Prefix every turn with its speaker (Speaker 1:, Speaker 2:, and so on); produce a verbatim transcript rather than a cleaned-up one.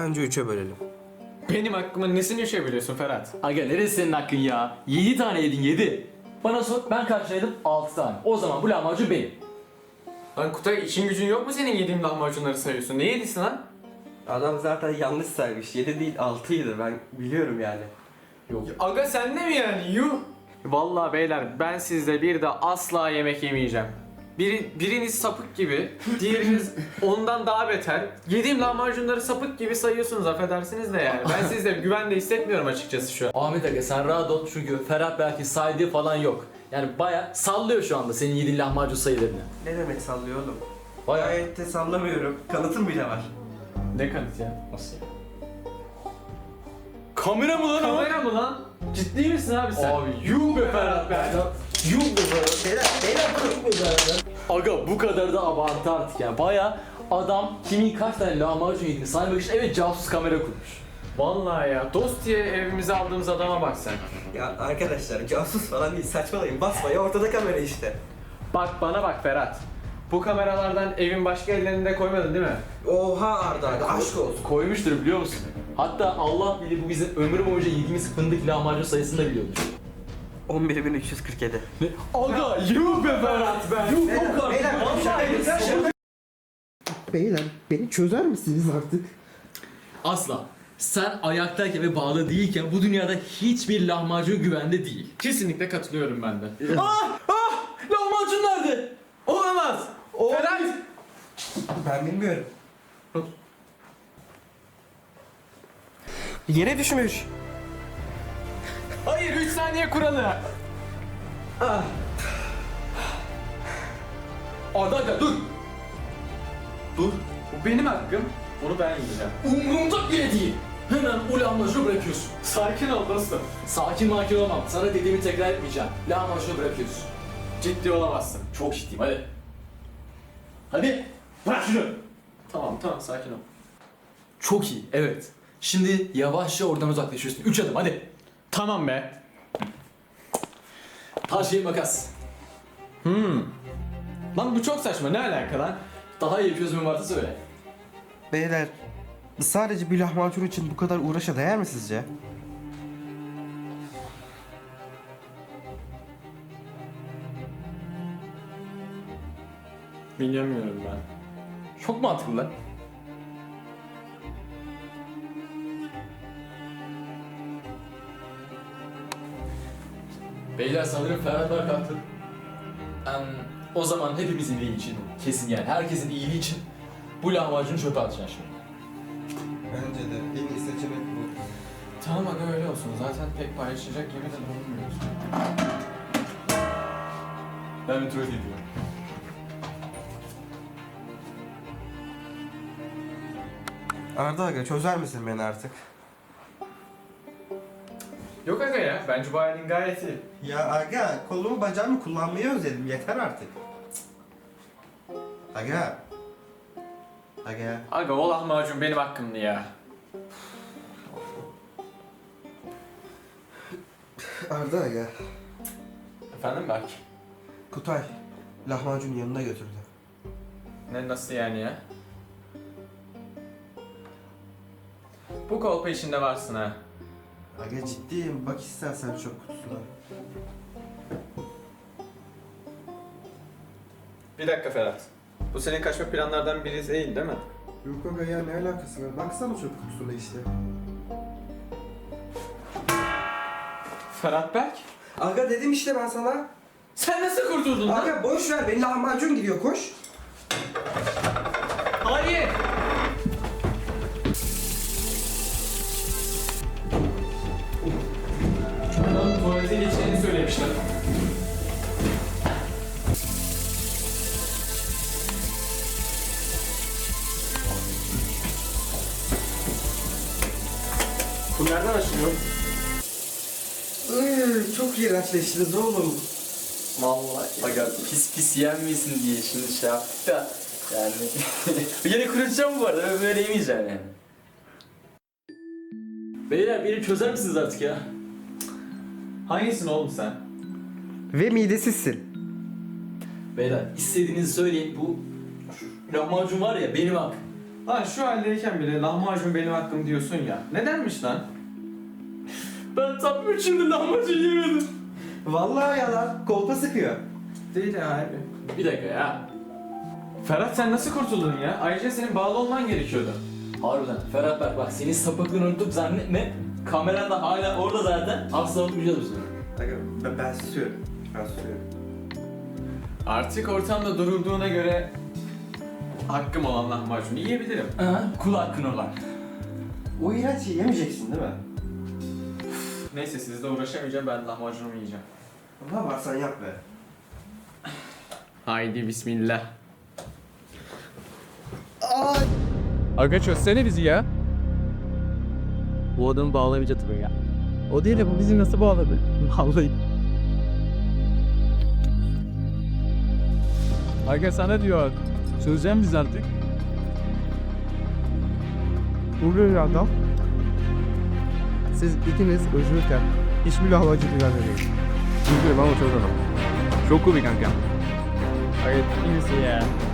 Speaker 1: Bence üçe bölelim.
Speaker 2: Benim hakkımın nesini üçe biliyorsun Ferhat?
Speaker 3: Aga neresi senin hakkın ya? Yedi tane yedin yedi. Bana sor, ben karşıladım altı tane. O zaman bu lahmacun benim.
Speaker 2: Lan Kutay, işin gücün yok mu senin yediğim lahmacunları sayıyorsun? Ne yedisin lan?
Speaker 1: Adam zaten yanlış saymış. Yedi değil altıydı, ben biliyorum yani.
Speaker 3: Yok.
Speaker 2: Aga sen de mi yani? Yuh! Vallahi beyler, ben sizde bir de asla yemek yemeyeceğim. Biri, biriniz sapık gibi, diğeriniz ondan daha beter. Yediğim lahmacunları sapık gibi sayıyorsunuz, affedersiniz de yani. Ben sizde güvende hissetmiyorum açıkçası şu an.
Speaker 3: Ahmet Aga sen rahat ol çünkü Ferhat belki saydığı falan yok. Yani baya sallıyor şu anda senin yediğin lahmacun sayılarını.
Speaker 1: Ne demek sallıyor oğlum?
Speaker 3: Baya.
Speaker 1: Gayet de sallamıyorum. Kanıtım bile var.
Speaker 2: Ne kanıt ya?
Speaker 3: Nasıl ya? Kamera mı lan o?
Speaker 2: Kamera mı lan? Ciddi misin abi sen?
Speaker 3: Abi yuh be Ferhat be. Yuh be Ferhat.
Speaker 1: Beyler, beyler durun.
Speaker 3: Aga bu kadar da abartı artık yani. Baya adam kimin kaç tane lahmacun yediğini saymak için evet casus kamera kurmuş.
Speaker 2: Vallahi ya, dost diye evimize aldığımız adama bak sen.
Speaker 1: Ya arkadaşlar, casus falan değil, saçmalayın. Basmayın, ortada kamera işte.
Speaker 2: Bak bana bak Ferhat. Bu kameralardan evin başka ellerinde koymadın değil mi?
Speaker 1: Oha Arda, Arda aşk olsun.
Speaker 3: Koymuştur biliyor musun? Hatta Allah bilir bu bizim ömrü boyunca yediğimiz fındık lahmacun sayısını da biliyordur.
Speaker 1: on bir bin üç yüz kırk yedi.
Speaker 3: Ne? Aga yuh be Ferhat be. Yuh
Speaker 1: Beyler,
Speaker 3: yok artık.
Speaker 1: beyler,
Speaker 3: Vallahi
Speaker 1: şaka
Speaker 3: yok.
Speaker 1: yapıyorsun, şaka.
Speaker 4: Beyler beni çözer misiniz artık?
Speaker 3: Asla. Sen ayaktayken ve bağlı değilken bu dünyada hiçbir lahmacun güvende değil.
Speaker 2: Kesinlikle katılıyorum ben de.
Speaker 3: Ah! Ah! Lahmacun nerede?
Speaker 2: Olamaz! Ferhat!
Speaker 1: Ben bilmiyorum. Yere düşmüş.
Speaker 2: Hayır, üç saniye kuralı.
Speaker 1: Ah.
Speaker 3: Arda Aga dur. Dur.
Speaker 2: Bu benim hakkım. Onu ben yiyeceğim.
Speaker 3: Umurumda bile değil. Hemen o lahmacunu bırakıyorsun.
Speaker 2: Sakin ol dostum.
Speaker 3: Sakin makin olmam. Sana dediğimi tekrar etmeyeceğim. Lahmacunu bırakıyorsun.
Speaker 2: Ciddi olamazsın.
Speaker 3: Çok ciddiyim hadi. Hadi. Bırak şunu.
Speaker 2: Tamam tamam, sakin ol.
Speaker 3: Çok iyi evet. Şimdi yavaşça oradan uzaklaşıyorsun. Üç adım hadi.
Speaker 2: Tamam be.
Speaker 3: Taş şey makas.
Speaker 2: Hmm. Lan bu çok saçma, ne alaka lan?
Speaker 3: Daha iyi bir çözümün varsa söyle.
Speaker 1: Beyler, sadece bir lahmacun için bu kadar uğraşa değer mi sizce?
Speaker 2: Bilmiyorum ben.
Speaker 3: Çok mantıklı lan. Beyler sanırım Ferhat var kalktı. Em, o zaman hepimizin iyiliği için, kesin yani herkesin iyiliği için bu lahmacunu çöpe atacaksın şimdi.
Speaker 1: Bence de en iyi seçenek bu.
Speaker 2: Tamam aga, öyle olsun. Zaten pek paylaşacak gibi de bulunmuyoruz.
Speaker 3: Ben bir tuvalet ediyorum.
Speaker 1: Arda aga, çözer misin beni artık?
Speaker 2: Yok aga ya, bence bu halin gayet iyi.
Speaker 1: Ya aga, kolumu bacağımı kullanmayı özledim, yeter artık. Aga. Aga.
Speaker 2: Aga o lahmacun benim hakkımdı ya.
Speaker 1: Arda aga.
Speaker 2: Efendim belki.
Speaker 1: Kutay, lahmacun yanına götürdü.
Speaker 2: Ne, nasıl yani ya? Bu kolpa içinde varsın ha.
Speaker 1: Aga ciddiyim, bak istersen çöp kutusuna.
Speaker 2: Bir dakika Ferhat. Bu senin kaçma planlardan biri değil değil mi?
Speaker 1: Yok aga ya, ne alakası var? Baksana çöp kutusuna işte.
Speaker 2: Ferhat Berk?
Speaker 1: Aga dedim işte ben sana.
Speaker 2: Sen nasıl kurtuldun lan?
Speaker 1: Aga boş ver, benim lahmacun gidiyor, koş.
Speaker 2: Hayır! Lan tuvalete geçeceğini söylemişler.
Speaker 1: Bu nereden açılıyor? Iıı, çok iğrençleştiniz oğlum.
Speaker 3: Vallahi aga pis pis yenmesin diye şimdi şey yaptık da yani yine kurutacağım bu arada böyle yemeyeceğim yani. Beyler beni çözer misiniz artık ya?
Speaker 2: Hangisin oğlum sen?
Speaker 1: Ve midesizsin.
Speaker 3: Beyler istediğinizi söyleyin bu şu lahmacun var ya benim hak.
Speaker 2: Lan şu haldeyken bile lahmacun benim hakkım diyorsun ya. Nedenmiş lan?
Speaker 3: Ben tam üç yıldır lahmacun yemedim.
Speaker 1: Vallahi yalan. Kolpa sıkıyor.
Speaker 2: Değil abi.
Speaker 3: Bir dakika ya.
Speaker 2: Ferhat sen nasıl kurtuldun ya? Ayrıca senin bağlı olman gerekiyordu.
Speaker 3: Harbiden Ferhat Berk bak senin sapıklığını unuttuk zannetme. Kameran da hala orada zaten. Asla unutmayacağız biz bunu.
Speaker 1: Aga, ben, ben susuyorum. Ben susuyorum.
Speaker 2: Artık ortamda durulduğuna göre hakkım olan lahmacunu yiyebilirim.
Speaker 3: Ha, kul hakkın olan.
Speaker 1: O iğrenç şeyi yemeyeceksin değil mi?
Speaker 2: Neyse sizle uğraşamayacağım, ben lahmacunumu yiyeceğim.
Speaker 1: Ne yaparsan yap be.
Speaker 2: Haydi bismillah.
Speaker 5: Aga çözsene bizi ya. Bu adamı bağlamayacak tabii ya. O değil de bu bizi nasıl bağladı? Vallahi. Aga sana diyor. Çözeceğim biz artık. Bu bir adam. Siz ikiniz özürken hiçbir lahmacun güvenmemeyin. Üzgünüm ama çok adam. Çok komik kanka. Hayır, iyi misin ya?